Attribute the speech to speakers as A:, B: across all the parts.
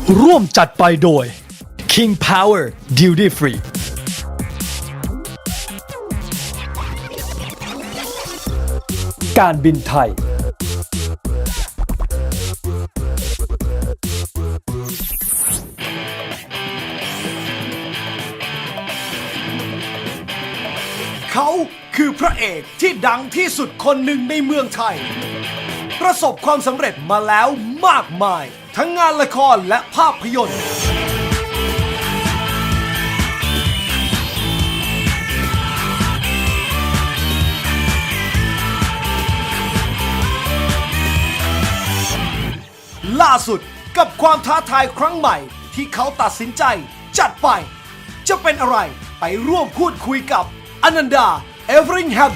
A: ร่วมจัดไปโดย King Power Duty Free การบินไทย
B: เขาคือพระเอกที่ดังที่สุดคนหนึ่งในเมืองไทย ประสบความสำเร็จมาแล้วมากมาย ทั้งงานละครและภาพยนตร์ ล่าสุดกับความท้าทายครั้งใหม่ที่เขาตัดสินใจจัดไป จะเป็นอะไรไปร่วมพูดคุยกับอนันดา เอเวอริงแฮม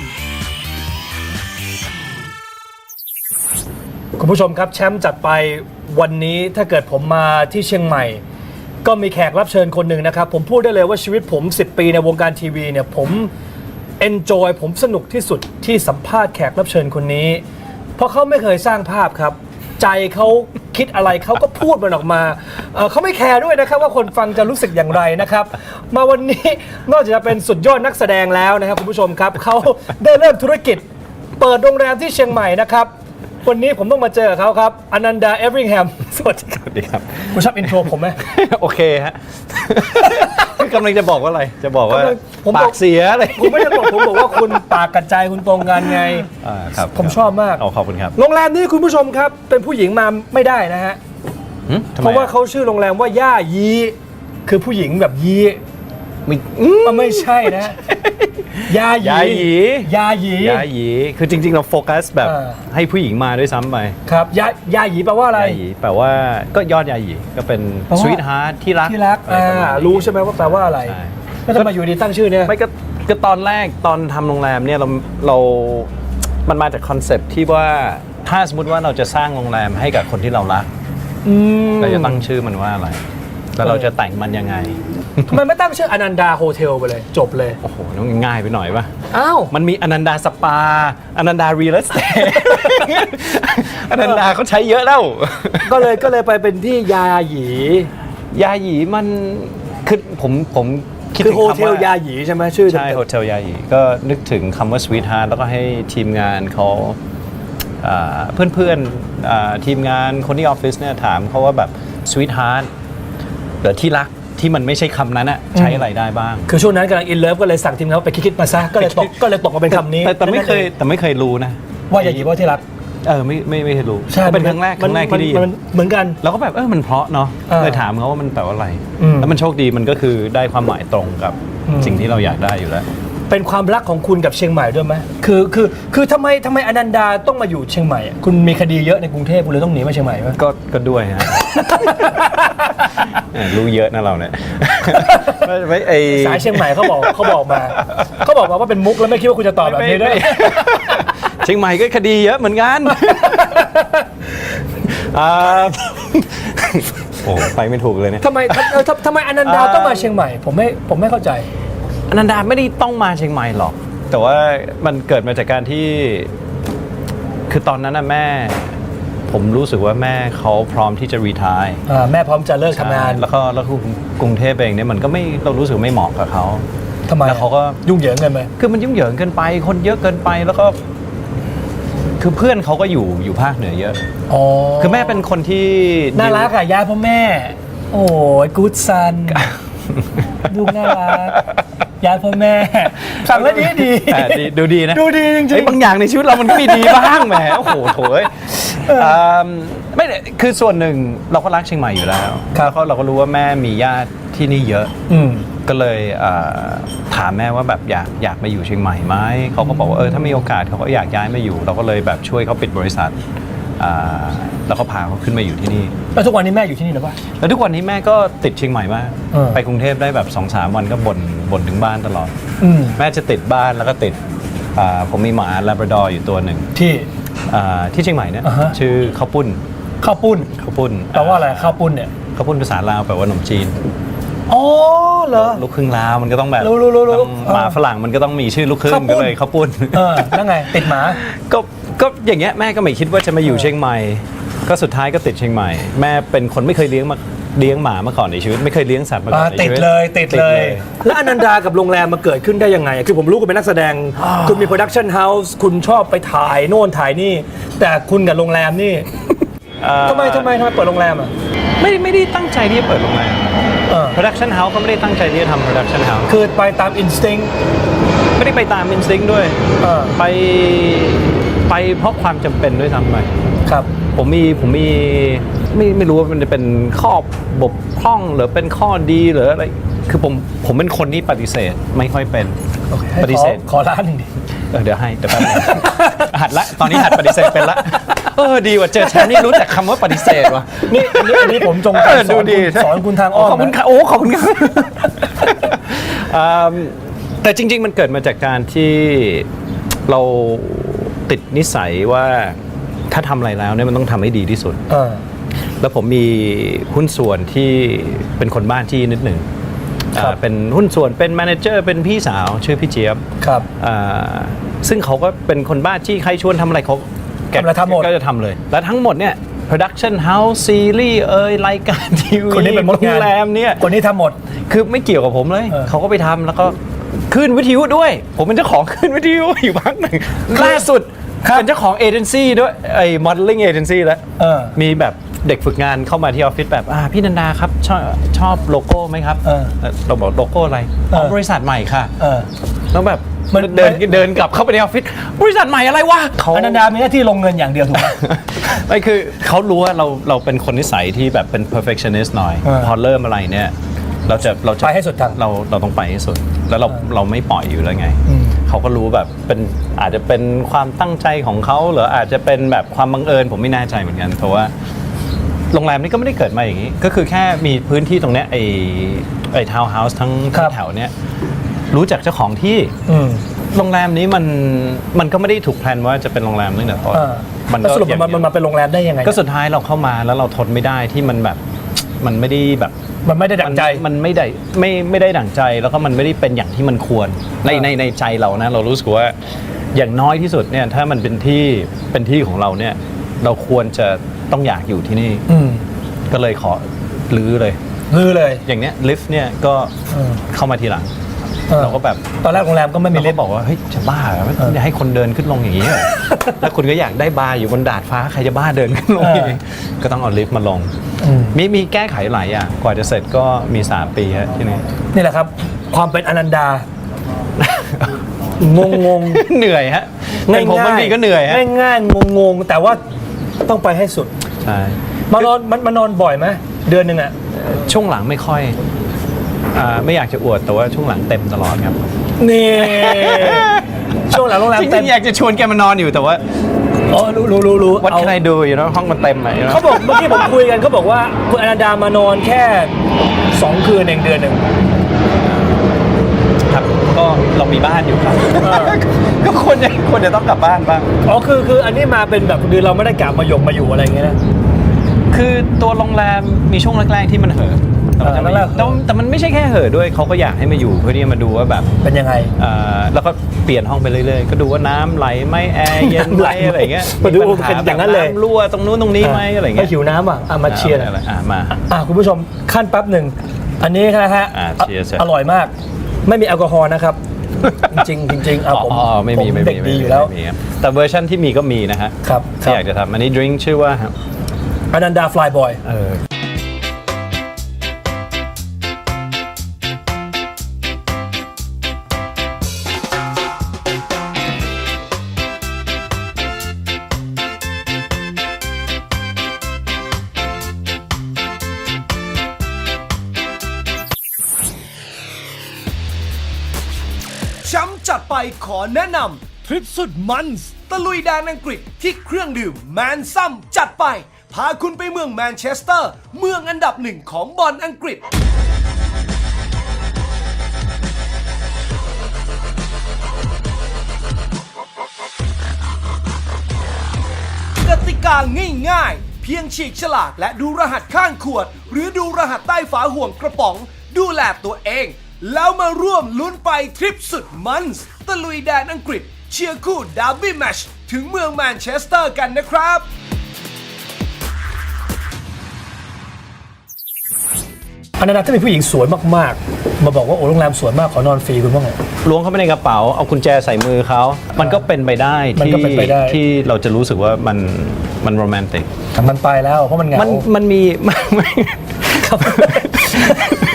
A: คุณผู้ชมครับแชมป์จัดไปวันนี้ถ้าเกิดผมมาที่เชียงใหม่ ก็มีแขกรับเชิญคนหนึ่งนะครับผมพูดได้เลยว่าชีวิตผม10 ปีในวงการทีวีเนี่ยผมเอนจอยผมสนุกที่สุดที่สัมภาษณ์แขกรับเชิญคนนี้เพราะเขาไม่เคยสร้างภาพครับใจเขาคิดอะไรเขาก็พูดมันออกมาเขาไม่แคร์ด้วยนะครับว่าคนฟังจะรู้สึกอย่างไรนะครับมาวันนี้นอกจากจะเป็นสุดยอดนักแสดงแล้วนะครับคุณผู้ชมครับเขาได้เริ่มธุรกิจเปิดโรงแรมที่เชียงใหม่นะครับวันนี้ผมต้องมาเจอเขาครับอนันดา เอเวอริงแฮมสวัสดีครับ
C: สวัสดีครับ
A: คุณชอบอินโทรผมไหม
C: โอเคฮะ กำลังจะบอกว่าอะไร จะบอกว่า
A: ผมบอก
C: ปากเสียอะไร
A: ผมไม่ได้บอกผมบอกว่าคุณปากกระจายคุณตรงกันไง
C: ครับ
A: ผมชอบมาก
C: ขอบคุณครับ
A: โรงแรมนี้คุณผู้ชมครับเป็นผู้หญิงมาไม่ได้นะฮะ
C: ทำไม
A: เพราะว่าเขาชื่อโรงแรมว่าย่ายีคือผู้หญิงแบบยี
C: ไม่
A: มันไม่ใช่นะยาหยี
C: ยาหยี
A: ยาหยี
C: ยาหยีคือจริงๆ เราโฟกัสแบบ
A: อ่า
C: ให้ผู้หญิงมาด้วยซ้ำไป
A: ครับยาหยีแปลว่าอะไร
C: ยาหยีแปลว่าก็ยอดยาหยีก็เป็น
A: แปลว่า
C: สวีทฮาร์ทที่รัก
A: ที่รัก
C: อะไรประมาณนี้
A: รู้ใช่ไหมว่าแปลว่าอะไร
C: ใช่
A: แล้วทำไมอยู่ดีตั้งชื่อเนี่ย
C: ไม่ก็ตอนแรกตอนทำโรงแรมเนี่ยมันมาจากคอนเซปต์ที่ว่าถ้าสมมติว่าเราจะสร้างโรงแรมให้กับคนที่เรารัก เราจะตั้งชื่อมันว่าอะไร แล้วเราจะแต่งมันยังไง
A: ทำไมไม่ตั้งชื่ออนันดาโฮเทลไปเลยจบเลย
C: โอ้โหน้องง่ายไปหน่อยปะ
A: อ้าว
C: มันมีอนันดาสปา อนันดารีลสเตท อนันดาเขาใช้เยอะแล้ว
A: ก็เลยไปเป็นที่ยาหยี
C: ยาหยีมันคือผมคิด
A: คือ
C: ถึง
A: โฮ
C: คำ
A: เทล
C: ว่าย
A: าหยีใช่ไหมชื่อ
C: ใช่โฮเทลยาหยีก็นึกถึงคำว่าสวีทฮาร์ทแล้วก็ให้ทีมงานเขาเพื่อนๆทีมงานคนที่ออฟฟิศเนี่ยถามเขาว่าแบบสวีทฮาร์ทหรือที่รักที่มันไม่ใช่คำนั้นอะใช้อะไรได้บ้าง
A: คือช่วงนั้นกำลังอินเลิฟก็เลยสั่งทีมเขาไปคิดมาซะก็เลยตกมาเป็นคำนี้
C: แต่ไม่เคยรู้นะ
A: ว่ายาหยีว่าที่รัก
C: ไม่เคยรู้
A: ใช่
C: ก็เป็นครั้งแรกที่ได้ยิน
A: มันเหมือนกัน
C: เราก็แบบมันเพราะเนาะ เลยถามเขาว่ามันแปลว่าอะไร แล้วมันโชคดีมันก็คือได้ความหมายตรงกับสิ่งที่เราอยากได้อยู่แล้ว
A: เป็นความรักของคุณกับเชียงใหม่ด้วยไหมคือทำไมอนันดาต้องมาอยู่เชียงใหม่อะคุณมีคดีเยอะในกรุงเทพคุณเลยต้องหนีมาเชียงใหม่ไหม
C: ก็ด้วยฮะ รู้เยอะนะเราเนี่ย ไม่
A: สายเชียงใหม่เขาบอกมาว่าเป็นมุกแล้วไม่คิดว่าคุณจะตอบแบบนี้ด้วย
C: เชียงใหม่ก็คดีเยอะเหมือนกันโอ้ไปไม่ถูกเลยเนี่ย
A: ทำไมอนันดาต้องมาเชียงใหม่ผมไม่เข้าใจ
C: อนันดาไม่ได้ต้องมาเชียงใหม่หรอก แต่ว่ามันเกิดมาจากการที่คือตอนนั้นนะแม่ผมรู้สึกว่าแม่เขาพร้อมที่จะรีไทร์
A: แม่พร้อมจะเลิกทำงาน
C: แล้วกรุงเทพเองเนี่ยมันก็ไม่เรารู้สึกไม่เหมาะกับเขา
A: ทำไม
C: แล้วเขาก็
A: ยุ่งเหยิงกันไหม
C: คือมันยุ่งเหยิงเกินไปคนเยอะเกินไปแล้วก็คือเพื่อนเขาก็อยู่ภาคเหนือเยอะ
A: อ๋อ
C: คือแม่เป็นคนที่
A: น่ารักอะย่าพ่อแม่ โอ้ยกู๊ดซันดูน่ารักย่าพ่อแม่สั่งแล้วดี
C: ดูดีนะ
A: ดูดีจริง
C: บางอย่างในชีวิตเรามันก็มีดีบ้างแหมโอ้โหโถยไม่คือส่วนหนึ่งเราก็รักเชียงใหม่อยู่แล้วแล้วเราก็รู้ว่าแม่มีญาติที่นี่เยอะ ก็เลยถามแม่ว่าแบบอยากมาอยู่เชียงใหม่ไหมเขาก็บอกว่าถ้ามีโอกาสเขาก็อยากย้ายมาอยู่ เราก็เลยแบบช่วยเขาปิดบริษัทแล้วก็พาเขาขึ้นมาอยู่ที่นี่
A: แล้วทุกวันนี้แม่อยู่ที่นี่หรือเปล่า
C: แล้วทุกวันนี้แม่ก็ติดเชียงใหม่มาก ไปกรุงเทพได้แบบ 2-3 วันก็บ่นถึงบ้านตลอด แม่จะติดบ้านแล้วก็ติดผมมีหมาลาบราดอร์อยู่ตัวหนึ่งที่เชียงใหม่เนี่ยชื่อข้าวปุ้น
A: ข้าวปุ้นแปลว่าอะไรข้าวปุ้นเนี่ย
C: ข้าวปุ้นภาษาลาวแปลว่าขนมจีน
A: อ๋อเหรอ
C: ลูกครึ่งลาวมันก็ต้องแบบ
A: รู้
C: หมาฝรั่งมันก็ต้องมีชื่อลูกครึ่งก็เลยข้าวปุ้น
A: แล้วไงติดหมา
C: ก็อย่างเงี้ยแม่ก็ไม่คิดว่าจะมาอยู่เชียงใหม่ก็สุดท้ายก็ติดเชียงใหม่แม่เป็นคนไม่เคยเลี้ยงเลี้ยงหมามาก่อนในชีวิตไม่เคยเลี้ยงสัตว์มาก่อนใน
A: ติด
C: ชีวิต
A: เลยติดเลย แล้วอนันดากับโรงแรมมาเกิดขึ้นได้ยังไง คือผมรู้คุณเป็นนักแสดง คุณมีโปรดักชันเฮาส์คุณชอบไปถ่ายโน่นถ่ายนี่ แต่คุณกับโรงแรมนี่ทำไมเปิดโรงแรมอ่ะ
C: ไม่ได้ตั้งใจที่จะเปิดโรงแรม production house เขาไม่ได้ตั้งใจที่จะทำ production house
A: คือไปตามอินสติ้ง
C: ไม่ได้ไปตาม instinct ด้วยไปเพราะความจำเป็นด้วยซ้ำไป
A: ครับ
C: ผมมีไม่รู้ว่ามันจะเป็นข้อบกพร่องหรือเป็นข้อดีหรืออะไรคือผมเป็นคนที่ปฏิเสธไม่ค่อยเป็นปฏิเสธ
A: ขอร้านหนึ่งดิ
C: เดี๋ยวให้เดี๋ยวแป๊บนึง หัดละตอนนี้หัดปฏิเสธเป็นละดีว่าเจอแชมป์นี่รู้จักคำว่าปฏิเสธว่ะ
A: นี่อันนี้ผมจงใจสอนคุณทางอ้อม
C: ขอบคุณค่ะขอบคุณครับแต่จริงๆมันเกิดมาจากการที่เราติดนิสัยว่าถ้าทำอะไรแล้วเนี่ยมันต้องทำให้ดีที่สุดแล้วผมมีหุ้นส่วนที่เป็นคนบ้านที่นิดหนึ่งเป็นหุ้นส่วนเป็นแมเนเจอร์เป็นพี่สาวชื่อพี่เจี๊ยบ
A: ครับ
C: ซึ่งเขาก็เป็นคนบ้านที่ใครชวนทำอะไรเขาก็จะทำเลยแล้วทั้งหมดเนี่ย production house ซีรีส์รายการทีวี
A: คนนี้เป็นมดงาน
C: โรงแรมเนี่ย
A: คนนี้ทำหมด
C: คือไม่เกี่ยวกับผมเลยเขาก็ไปทำแล้วก็ขึ้นวิทยุด้วยผมเป็นเจ้าของขึ้นวิทยุอยู่พักหนึ่งล่าสุดเป็นเจ้าของเอเจนซี่ด้วยไอ้ modeling agency แล้วมีแบบเด็กฝึกงานเข้ามาที่ออฟฟิศแบบพี่นันดาครับชอบโลโก้ไหมครับเราบอกโลโก้อะไรบริษัทใหม่ค่ะแล้วแบบมันเดินกลับเข้าไปในออฟฟิศบริษัทใหม่อะไรวะ
A: อนันดามีหน้าที่ลงเงินอย่างเดียวถูกไหม
C: ไม่คือเขารู้ว่าเราเป็นคนนิสัยที่แบบเป็น perfectionist หน่อยพอเริ่มอะไรเนี่ยเราจะ
A: ไปให้สุดทาง
C: เราต้องไปให้สุดแล้วเราไม่ปล่อยอยู่แล้วไงเขาก็รู้แบบเป็นอาจจะเป็นความตั้งใจของเขาหรืออาจจะเป็นแบบความบังเอิญผมไม่แน่ใจเหมือนกันเพราะว่าโรงแรมนี้ก็ไม่ได้เกิดมาอย่างนี้ก็คือแค่มีพื้นที่ตรงเนี้ยไอ้ทาวน์เฮาส์ทั้งแถวเนี้ยรู้จักเจ้าของที่โรงแรมนี้มันก็ไม่ได้ถูกแพลนว่าจะเป็นโรงแรมตั้งแต่ต้น
A: มันก็สรุปมันมาเป็นโรงแรมได้ยังไง
C: ก็สุดท้ายเราเข้ามาแล้วเราทนไม่ได้ที่มันแบบมันไม่ได้แบบ
A: มันไม่ได้ดั่งใจ
C: มันไม่ได้ดั่งใจแล้วก็มันไม่ได้เป็นอย่างที่มันควรในใจเรานะเรารู้สึกว่าอย่างน้อยที่สุดเนี่ยถ้ามันเป็นที่ของเราเนี่ยเราควรจะต้องอยากอยู่ที่นี่ก็เลยขอลื้อเลยอย่างเนี้ยลิฟต์เนี่ยก็เข้ามาทีหลังเราก็แบบ
A: ตอนแรกโรงแรมก็ไม่มีลิฟต์
C: บอกว่าเฮ้ยจะบ้าเหรอไม่ให้คนเดินขึ้นลงอย่างนี้เหรอแล้วคุณก็อยากได้บาร์อยู่บนดาดฟ้าใครจะบ้าเดินขึ้นลงอย่างนี้ก็ต้องเอาลิฟต์มาลงมีแก้ไขหลายอย่างกว่าจะเสร็จก็มี3 ปีฮะที่
A: นี่แหละครับความเป็นอนันดางง
C: เหนื่อยฮะผมบางทีก็เหนื่อยฮะ
A: ง่ายงงแต่ว่าต้องไปให้สุด
C: ใช่
A: มานอนบ่อยไหมเดือนหนึ่งอะ
C: ช่วงหลังไม่ค่อยไม่อยากจะอวดแต่ว่าช่วงหลังเต็มตลอดครับ
A: นี่ช่วงหลังโรงแรม
C: เต็มอยากจะชวนแกมานอนอยู่แต่ว่า
A: รู้
C: วัดใครดูอยู่นะห้องมันเต็มไหม
A: เขาบอกเมื่อกี้ผมคุยกันเขาบอกว่าคุณอนันดามานอนแค่2 คืนเองเดือนหนึ่ง
C: ครับก็เรามีบ้านอยู่ครับก็ควรจะต้องกลับบ้านบ้าง
A: คืออันนี้มาเป็นแบบคือเราไม่ได้กลับมาอยู่อะไรอย่างเงี้ยนะ
C: คือตัวโรงแรมมีช่วงแรกๆที่มันเห่อแต่มันไม่ใช่แค่เห่อด้วยเขาก็อยากให้มาอยู่เพื่อที่จะมาดูว่าแบบ
A: เป็นยังไง
C: แล้วก็เปลี่ยนห้องไปเรื่อยๆก็ดูว่าน้ำไหลไหมแอร์เย็นไหมอะไรเงี้ย
A: มาดูเป็นอย่างนั้นเลย
C: รั่วตรงนู้นตรงนี้ไหมอะไรเงี้ย
A: หิวน้ำมาเชียร์
C: มา
A: คุณผู้ชมขั้นแป๊บหนึ่งอันนี้นะฮะอร่อยมากไม่มีแอลกอฮอล์นะครับจริงผม
C: ไม่มี
A: เด็กดีอยู่แล้ว
C: แต่เวอร์ชันที่มีก็มีนะฮะที่อยากจะทำอันนี้ดริงก์ชื่อว่า
A: อนันดาฟลายบอย
B: แชมป์จัดไปขอแนะนำทริปสุดมันส์ตะลุยแดนอังกฤษที่เครื่องดื่มแมนซัมจัดไปพาคุณไปเมืองแมนเชสเตอร์เมืองอันดับ1ของบอลอังกฤษกติกาง่ายๆเพียงฉีกฉลากและดูรหัสข้างขวดหรือดูรหัสใต้ฝาห่วงกระป๋องดูแลตัวเองแล้วมาร่วมลุ้นไปทริปสุดมันส์ตะลุยแดนอังกฤษเชียร์คู่ดาร์บี้แมตช์ถึงเมืองแมนเชสเตอร์กันนะครับ
A: อันนั้นถ้ามีผู้หญิงสวยมากๆมาบอกว่าโอ้โรงแรมสวยมากขอนอนฟรีคุณว่าไง
C: ล้วงเข้าไปในกระเป๋าเอากุญแจใส่มือเขามันก็เป็นไปได้
A: มันก็เป็นไปได้
C: ที่เราจะรู้สึกว่ามันโรแมนติก
A: แต่มันไปแล้วเพราะมันเหงา
C: มันมี
A: ครับ